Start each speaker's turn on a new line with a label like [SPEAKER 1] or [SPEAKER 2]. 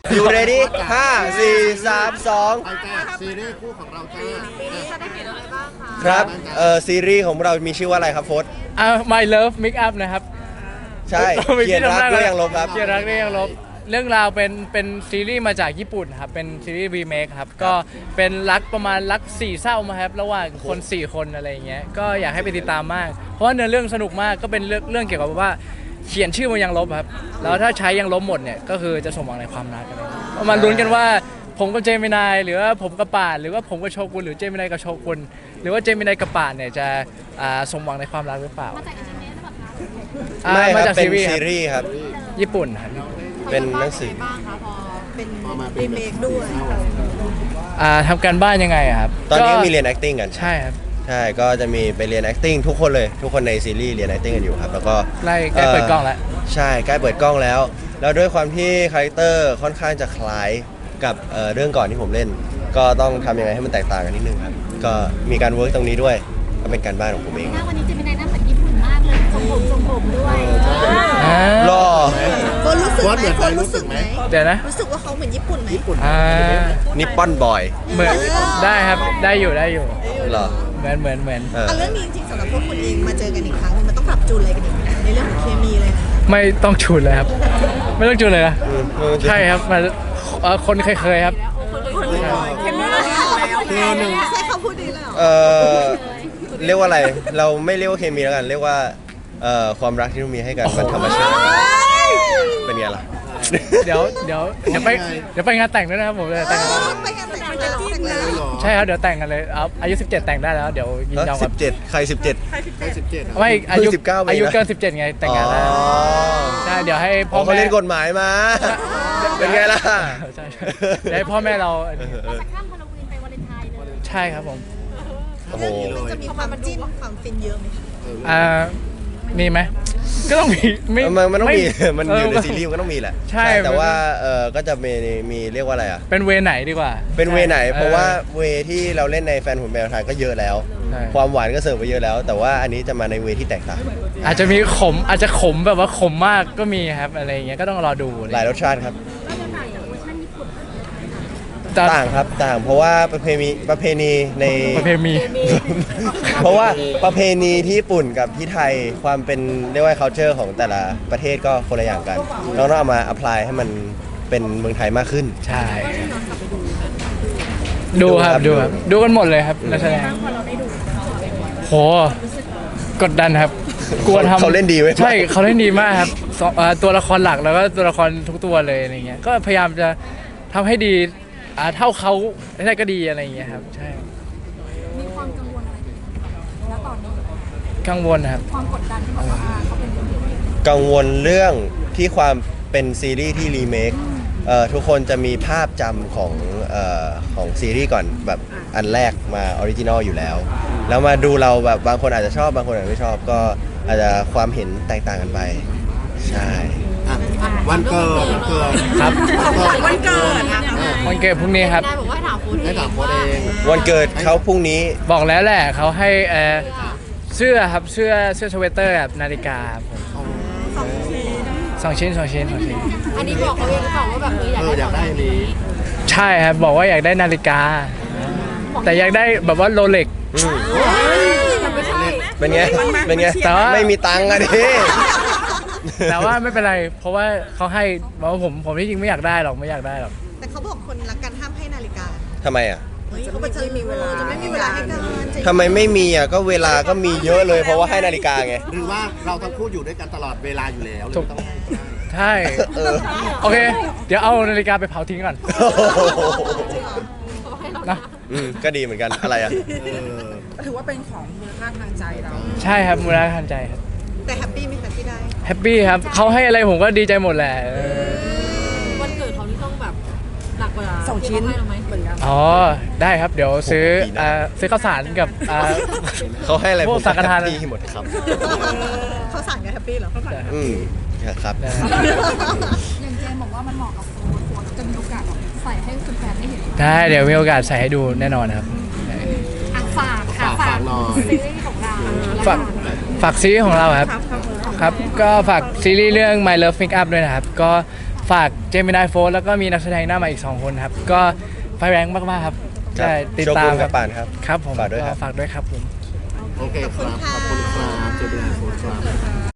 [SPEAKER 1] อยู่เรดี้ห้าสี่สามสอง
[SPEAKER 2] ไปจ้าซีรีส์คู่ของเราจ้า
[SPEAKER 1] ครับซีรีส์ของเรามีชื่อว่าอะไรครับโฟส
[SPEAKER 3] My Love Make Up นะครับ
[SPEAKER 1] ใช่เขียนรักด้วยยังลบครับ
[SPEAKER 3] เขียนรักด้วยยังลบเรื่องราวเป็นซีรีส์มาจากญี่ปุ่นครับเป็นซีรีส์รีเมคครับก็เป็นรักประมาณรักสี่เศร้ามาครับระหว่างคน4คนอะไรอย่างเงี้ยก็อยากให้ไปติดตามมากเพราะว่าเนื้อเรื่องสนุกมากก็เป็นเรื่องเกี่ยวกับว่าเขียนชื่อมันยังลบครับแล้วถ้าใช้ยังลบหมดเนี่ยก็คือจะสมหวังในความรักอะไรมาลุ้นกันว่าผมกับเจมินายหรือว่าผมกับป่านหรือว่าผมกับโชกุนหรือเจมินายกับโชกุนหรือว่าเจมินายกับป่านเนี่ยจะสมหวังในความรักหรือเปล่า
[SPEAKER 1] ไม่ค
[SPEAKER 3] มา
[SPEAKER 1] รับ
[SPEAKER 3] จาก
[SPEAKER 1] เป็น
[SPEAKER 3] ซีรีส์
[SPEAKER 1] ซีรีส์ครับ
[SPEAKER 3] ญี่ปุ่นครับ
[SPEAKER 1] เป็นหนังสือ
[SPEAKER 4] บ้างคะพอเป็น
[SPEAKER 2] พอมาเป็น
[SPEAKER 4] รีเมคด้วย
[SPEAKER 3] ทำการบ้านยังไไงอะครับ
[SPEAKER 1] ตอนนี้ก็มีเรียน acting กัน
[SPEAKER 3] ใช่ครับ
[SPEAKER 1] ใช่ก็จะมีไปเรียน acting ทุกคนเลยทุกคนในซีรีส์เรียน acting กันอยู่ครับแล้วก็
[SPEAKER 3] ใกล้เปิดกล้องแล้ว
[SPEAKER 1] ใช่ใกล้เปิดกล้องแล้ว แล้วด้วยความที่คาแรคเตอร์ค่อนข้างจะคล้ายกับเรื่องก่อนที่ผมเล่น ก็ต้องทำยังไงให้มันแตกต่างกันนิดนึงครับก็มีการเวิร์กตรงนี้ด้วยก็เป็นการบ้านของผมเอง
[SPEAKER 5] วันนี้เจมินายหน้าเหมือนญี่ปุ่นมากเลยทรงผมด้วย
[SPEAKER 1] รอ
[SPEAKER 4] คนรู้สึก
[SPEAKER 2] วอด
[SPEAKER 4] ไหม
[SPEAKER 2] เหมือน
[SPEAKER 4] ค
[SPEAKER 2] ใคร
[SPEAKER 4] น
[SPEAKER 2] รู้
[SPEAKER 4] รู้
[SPEAKER 2] สึ
[SPEAKER 4] สึ
[SPEAKER 2] ก
[SPEAKER 4] ก
[SPEAKER 2] ไห
[SPEAKER 4] ไห
[SPEAKER 2] ม
[SPEAKER 4] ม
[SPEAKER 3] เดี๋ยวนะ
[SPEAKER 4] รู้สึกว่าเขาเหมือนญี่ปุ่นไหม
[SPEAKER 2] ญี่ปุ่น
[SPEAKER 1] นิปปอนบอย
[SPEAKER 3] เหมือนได้ครับได้อยู่
[SPEAKER 1] เหรอ
[SPEAKER 3] เหมือน
[SPEAKER 4] เรื่องนี้จริงๆสำหรับพวกคุณเองมาเจอกันอีกครั้งมันต้องปรับจูนอะไรกันอีกไหมในเรื่องของเคมีเลยนะ
[SPEAKER 3] ไม่ต้องจูนเลยครับ ไม่ต้องจูนเลยนะใช่ครับมาคนเคยครับ
[SPEAKER 4] เคมีเราดีแล้วหนึ่งใช่เขาพูดดีเลยเหรอ
[SPEAKER 1] เรียกว่าอะไรเราไม่เรียกว่าเคมีแล้วกันเรียกว่าความรักที่เรามีให้กันมันธรรมชาติเป็นไงล่ะ
[SPEAKER 3] เดี๋ยวไปงานแต่งด้วยนะครับผมเลยแต่ง
[SPEAKER 4] ไปงานแต่งจะจิ้นเลย
[SPEAKER 3] ใช่ครับเดี๋ยวแต่งกันเลยอายุ17แต่งได้แล้วเดี๋ยวยินยอมกับ
[SPEAKER 1] 17 ใคร 17
[SPEAKER 2] ใคร17
[SPEAKER 3] ไม่อายุ
[SPEAKER 1] เพิ่ง19ไปนะ
[SPEAKER 3] อายุเกิน17ไงแต่งงานแล้วใช่เดี๋ยวให้พ่อ
[SPEAKER 1] เขา
[SPEAKER 3] แม่
[SPEAKER 1] เล่นกฎหมายมา เป็นไงล่ะ
[SPEAKER 3] ใช่เดี๋ยวให้พ่อแม่เรา
[SPEAKER 5] เราจะข้ามฮาโลวีนไปวาเลนไทน์เลย
[SPEAKER 3] ใช่ครับผม
[SPEAKER 1] โอ้โห
[SPEAKER 4] เรื่องนี้มันจะมีความจิ้นความฟินเยอะไหมคะ
[SPEAKER 3] มีไหมก็ต้องมี
[SPEAKER 1] มันต้องมี
[SPEAKER 3] ไ
[SPEAKER 1] มันอยู่ในซีรีส์มันก็ต้องมีแหละ
[SPEAKER 3] ใช่
[SPEAKER 1] แต่ว่าก็จะมีเรียกว่าอะไรอ่ะ
[SPEAKER 3] เป็นเวไหนดีกว่า
[SPEAKER 1] เป็นเวไหน
[SPEAKER 3] ใช่
[SPEAKER 1] เพราะว่าเวที่เราเล่นในแฟนหุ่นแมวไทยก็เยอะแล้ว
[SPEAKER 3] ใช่
[SPEAKER 1] ความหวานก็เสิร์ฟไปเยอะแล้ว แต่ว่าอันนี้จะมาในเวที่แตกต่าง
[SPEAKER 3] อาจจะมีขมอาจจะขมแบบว่าขมมากก็มีครับอะไรอย่างเงี้ยก็ต้องรอดู
[SPEAKER 1] หลายรสชาติครับ
[SPEAKER 5] ก็จะถ่ายจากเวอร์ชันญี่ปุ่น
[SPEAKER 1] ต่างครับต่างเพราะว่าประเพณีใน
[SPEAKER 3] ประเพณี
[SPEAKER 1] เพราะว่าประเพณีที่ญี่ปุ่นกับที่ไทยความเป็นเรียกว่า culture ของแต่ละประเทศก็คนละอย่างกันเราต้องเอามา apply ให้มันเป็นเมืองไทยมากขึ้น
[SPEAKER 3] ใช่ดูครับดูกันหมดเลยครับนักแสดงโหกดดันครับกลัวทำ
[SPEAKER 1] เขาเล่นดีเว้ย
[SPEAKER 3] ใช่เขาเล่นดีมากครับตัวละครหลักแล้วก็ตัวละครทุกตัวเลยอะไรเงี้ยก็พยายามจะทำให้ดีเท่าเขาได้ก็ดีอะไรอย่างเงี้ยครับใช่
[SPEAKER 5] มีความกังวลอะไรแล้วตอนนี้
[SPEAKER 3] กังวลนะครับ
[SPEAKER 5] ความกดดันที่บอกว่าเขาเป็นคนเดียว
[SPEAKER 1] กังวลเรื่องที่ความเป็นซีรีส์ที่รีเมคทุกคนจะมีภาพจำของซีรีส์ก่อนแบบอันแรกมาออริจินอลอยู่แล้ว แล้วมาดูเราแบบบางคนอาจจะชอบบางคนอาจจะไม่ชอบก็อาจจะความเห็นแตกต่างกันไปใช่
[SPEAKER 2] อ่ะวันเกิด
[SPEAKER 3] ครับ
[SPEAKER 4] วันเกิดนะ
[SPEAKER 3] วันเกิดพรุ่งนี้ครับ
[SPEAKER 5] ได้บอกว่าถามคุณ
[SPEAKER 2] ให้ถามโค้ดเอง
[SPEAKER 1] วันเกิดเขาพรุ่งนี้
[SPEAKER 3] บอกแล้วแหละเขาให้เสื้อครับเสื้อสเวตเตอร์แบบนาฬิกาครับผมสองชิ้น
[SPEAKER 5] อันนี้บอกเขาเองหรือเปล่าว่าแบบ
[SPEAKER 2] อยาก
[SPEAKER 5] อยากได้
[SPEAKER 2] ได้อันนี้
[SPEAKER 3] ใช่ครับบอกว่าอยากได้นาฬิกา แต่อยากได้แบบว่าโรเล็ก
[SPEAKER 1] อืม
[SPEAKER 5] ไม่ใช่
[SPEAKER 1] เป็นไงเป็นไง
[SPEAKER 3] แต่ว่า
[SPEAKER 1] ไม่มีตังค์อะดิ
[SPEAKER 3] แต่ว่าไม่เป็นไร เพราะว่าเขาให้บอกว่าผมที่จริงไม่อยากได้หรอก
[SPEAKER 4] แต่เขาบอกคนรักกันห้ามให้นาฬิกา
[SPEAKER 1] ทำไมอ่ะ
[SPEAKER 4] เฮ้ยเขาบอกจะมีเวลาจะไม่มีเวลาให้กันจะ
[SPEAKER 1] ทำไมไม่มีอ่ะก็เวลาก็มีเยอะเลยเพราะว่าให้นาฬิกาไง
[SPEAKER 2] หรือว่าเราทั้งคู่อยู่ด้วยกันตลอดเวลาอยู่แล้วเลยไม่ต้องให้
[SPEAKER 3] ใช่
[SPEAKER 1] เออ
[SPEAKER 3] โอเค เดี๋ยวเอานาฬิกาไปเผาทิ้งก่อนนะ
[SPEAKER 1] ก็ดีเหมือนกันอะไรอ่ะ
[SPEAKER 6] ถือว่าเป็นของมูลค่าทางใจเรา
[SPEAKER 3] ใช่ครับมูลค่าทางใจครับ
[SPEAKER 4] แต่แฮปปี้ไหมคะที่ได้
[SPEAKER 3] แฮปปี้ครับเขาให้อะไรผมก็ดีใจหมดแหละ
[SPEAKER 5] วันเกิดเขาที่ต้องแบบหนักกว่า
[SPEAKER 6] 2 ชิ้น
[SPEAKER 5] ที่เขาให้เราไหม
[SPEAKER 6] เหมือนกัน
[SPEAKER 3] อ๋อได้ครับเดี๋ยวซื้อซื้อข้าวสารกับ
[SPEAKER 1] เขาให้อะไร
[SPEAKER 3] พ
[SPEAKER 1] ผ
[SPEAKER 3] ว
[SPEAKER 1] ม
[SPEAKER 3] กสังฆทาน
[SPEAKER 1] แฮปปี้หมดครับ
[SPEAKER 4] เขาสั่งกันแฮปปี้เหรอ
[SPEAKER 1] อืมครับ
[SPEAKER 5] อย่างเจมบอกว่ามันเหมาะกับโค้ดจะมีโอกาสแบบใส่ให้แฟนๆได้เห็น
[SPEAKER 3] ได้เดี๋ยวมีโอกาสใส่ให้ดูแน่นอนครับ
[SPEAKER 5] ฝากค่ะฝากซีรีส์ของเรา
[SPEAKER 3] ฝากซีรีส์ของเราครับ ครับ ก็ฝากซีรีส์เรื่อง My Love Make Up ด้วยนะครับ ก็ฝากเจมินายโฟร์แล้วก็มีนักแสดงหน้าใหม่อีก 2 คนครับ ก็ไฟแรงมากๆครับใช่ติด
[SPEAKER 1] โช
[SPEAKER 3] ตา
[SPEAKER 1] กุ
[SPEAKER 3] ม
[SPEAKER 1] นกับปานครับ
[SPEAKER 3] ครับผม
[SPEAKER 1] ฝากด้วยครับ
[SPEAKER 3] ฝากด้วยครับผม
[SPEAKER 2] โอเคครับ ขอบคุณครับเจมินายโฟร์ครับ